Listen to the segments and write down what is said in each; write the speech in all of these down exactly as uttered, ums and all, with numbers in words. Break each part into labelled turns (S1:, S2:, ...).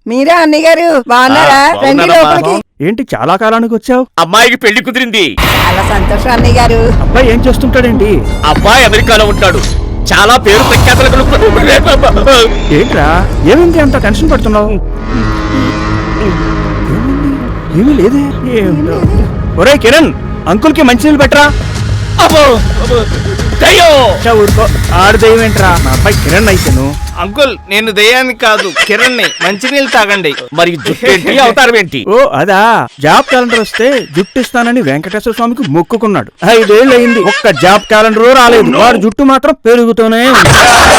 S1: మీరా అన్నయ్య గారు బాగున్నారా? రండి లోపలికి.
S2: ఏంటి చాలా కాలానికి వచ్చావు?
S3: అమ్మాయికి పెళ్లి కుదిరింది.
S1: చాలా సంతోషం అన్నయ్య గారు.
S2: అబ్బాయి ఏం చేస్తుంటాడేంటి?
S3: అబ్బాయి అమెరికాలో ఉంటాడు. చాలా పేరు ప్రఖ్యాతలు.
S2: ఏంట్రా ఏమైంది అంత టెన్షన్ పడుతున్నావు? ఏమీ లేదే. ఏమిటో. ఒరే కిరణ్, అంకుల్ కి మంచినీళ్ళు పెట్టరా. ఊరుకో, ఆడు దయ్యం ఏంట్రా? నా అబ్బాయి కిరణ్ అయితేను.
S4: అంకుల్ నేను దయ్యాన్ని కాదు కిరణ్ని, మంచినీళ్ళు తాగండి.
S3: మరి జుట్టు ఏంటి, అవతారం ఏంటి?
S2: ఓ అదా, జాబ్ క్యాలెండర్ వస్తే జుట్టు ఇస్తానని వెంకటేశ్వర స్వామికి మొక్కుకున్నాడు. ఐదేళ్ళు అయింది, ఒక్క జాబ్ క్యాలెండర్ రాలేదు. వాడు జుట్టు మాత్రం పెరుగుతూనే ఉంది.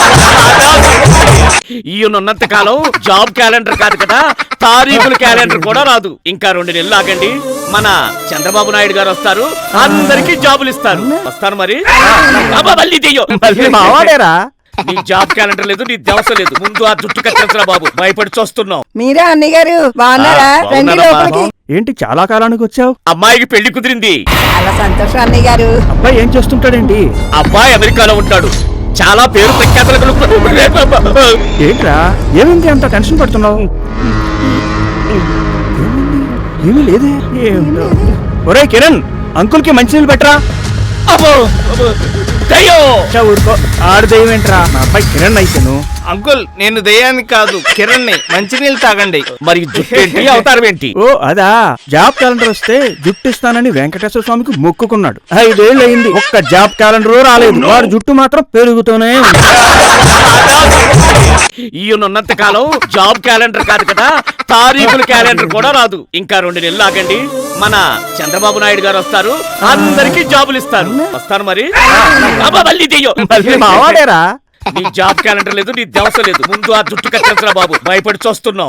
S3: ఈయనున్నంత కాలం జాబ్ క్యాలెండర్ కాదు కదా, తారీఖుల క్యాలెండర్ కూడా రాదు. ఇంకా రెండు నెలలు ఆగండి, మన చంద్రబాబు నాయుడు గారు వస్తారు, అందరికి జాబులు ఇస్తారు. వస్తాను మరి.
S2: మావాడేరా.
S3: నీ జాబ్ క్యాలెండర్ లేదు, నీ దవస లేదు. ముందు ఆ జుట్టు కట్టేసరా బాబు, భయపడి చూస్తున్నాం.
S1: మీరా అన్నయ్య గారు బాగున్నారా? రండి లోపలికి.
S2: ఏంటి చాలా కాలానికి వచ్చావు?
S3: అమ్మాయికి పెళ్లి కుదిరింది.
S1: చాలా సంతోషం అన్నయ్య గారు.
S2: అబ్బాయి ఏం చేస్తుంటాడేంటి?
S3: అబ్బాయి అమెరికాలో ఉంటాడు. చాలా పేరు ప్రఖ్యాతలు.
S2: ఏంట్రా ఏమైంది అంత టెన్షన్ పడుతున్నావు? ఏమీ లేదే. ఏమిటో. ఒరే కిరణ్, అంకుల్ కి మంచినీళ్ళు పెట్టరా. ఊరుకో, ఆడు దయ్యం ఏంట్రా? నా అబ్బాయి కిరణ్ అయితేను.
S4: అంకుల్ నేను దయ్యాన్ని కాదు కిరణ్ని, మంచినీళ్ళు తాగండి.
S3: మరి జుట్టు ఏంటి, అవతారం ఏంటి?
S2: ఓ అదా, జాబ్ క్యాలెండర్ వస్తే జుట్టు ఇస్తానని వెంకటేశ్వర స్వామికి మొక్కుకున్నాడు. ఐదేళ్ళు అయింది, ఒక్క జాబ్ క్యాలెండర్ రాలేదు. వాడు జుట్టు మాత్రం పెరుగుతూనే ఉంది.
S3: ఈయనున్నంత కాలం జాబ్ క్యాలెండర్ కాదు కదా, తారీఖుల క్యాలెండర్ కూడా రాదు. ఇంకా రెండు నెలలు ఆగండి, మన చంద్రబాబు నాయుడు గారు వస్తారు, అందరికి జాబులు ఇస్తారు. వస్తాను మరి.
S2: మావాడేరా.
S3: నీ జాబ్ క్యాలెండర్ లేదు, నీ దవస లేదు. ముందు ఆ జుట్టు కట్టేసరా బాబు, భయపడి చూస్తున్నాం.